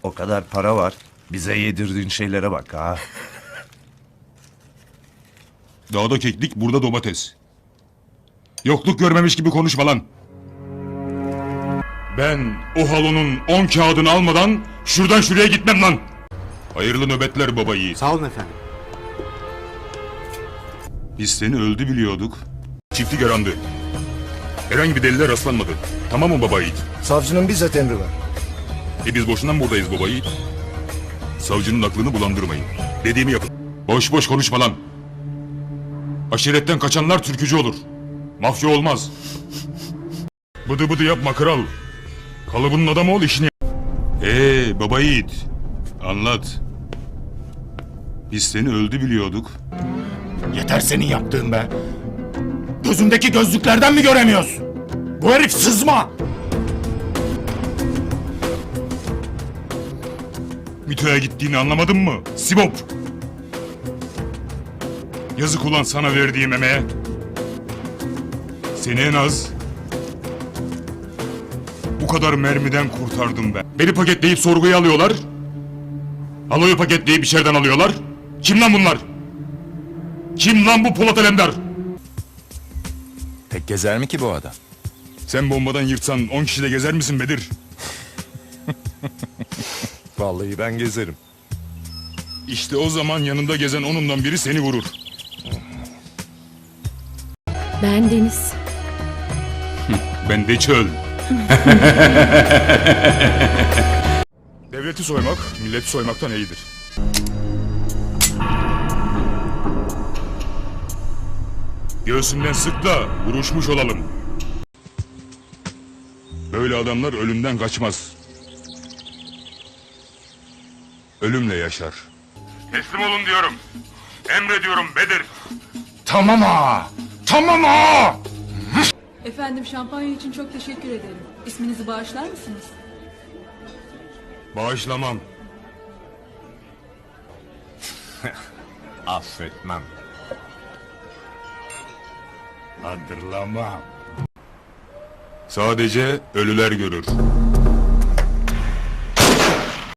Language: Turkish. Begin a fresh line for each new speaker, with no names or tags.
O kadar para var. Bize yedirdiğin şeylere bak ha.
Dağda keklik, burada domates. Yokluk görmemiş gibi konuşma lan. Ben o halonun 10 kağıdını almadan şuradan şuraya gitmem lan. Hayırlı nöbetler baba yiğit.
Sağ olun efendim.
Biz seni öldü biliyorduk. Çiftlik arandı. Herhangi bir deliller rastlanmadı. Tamam mı baba yiğit?
Savcının bizzat emri var.
Biz boşuna mı buradayız baba yiğit? Savcının aklını bulandırmayın. Dediğimi yapın. Boş boş konuşma lan. Aşiretten kaçanlar türkücü olur. Mafya olmaz. Bıdı bıdı yapma kral. Kalıbının adamı ol, işini yap. Baba yiğit. Anlat. Biz seni öldü biliyorduk.
Yeter senin yaptığın be. Gözümdeki gözlüklerden mi göremiyorsun? Bu herif sızma.
Mito'ya gittiğini anlamadın mı? Sibop! Yazık ulan sana verdiğim emeğe. Seni en az bu kadar mermiden kurtardım ben. Beni paketleyip sorguya alıyorlar. Aloyu paketleyip içeriden alıyorlar. Kim lan bunlar? Kim lan bu Polat Alemdar?
Tek gezer mi ki bu adam?
Sen bombadan yırtsan 10 kişi de gezer misin Bedir?
Vallahi ben gezerim.
İşte o zaman yanında gezen onundan biri seni vurur.
Ben Deniz.
Ben de çöl. Devleti soymak, milleti soymaktan iyidir. Göğsünden sık da vuruşmuş olalım. Böyle adamlar ölümden kaçmaz. Ölümle yaşar. Teslim olun diyorum. Emrediyorum Bedir.
Tamam ha. Tamam ha.
Efendim şampanya için çok teşekkür ederim. İsminizi bağışlar mısınız?
Bağışlamam.
Affetmem. Hatırlamam.
Sadece ölüler görür.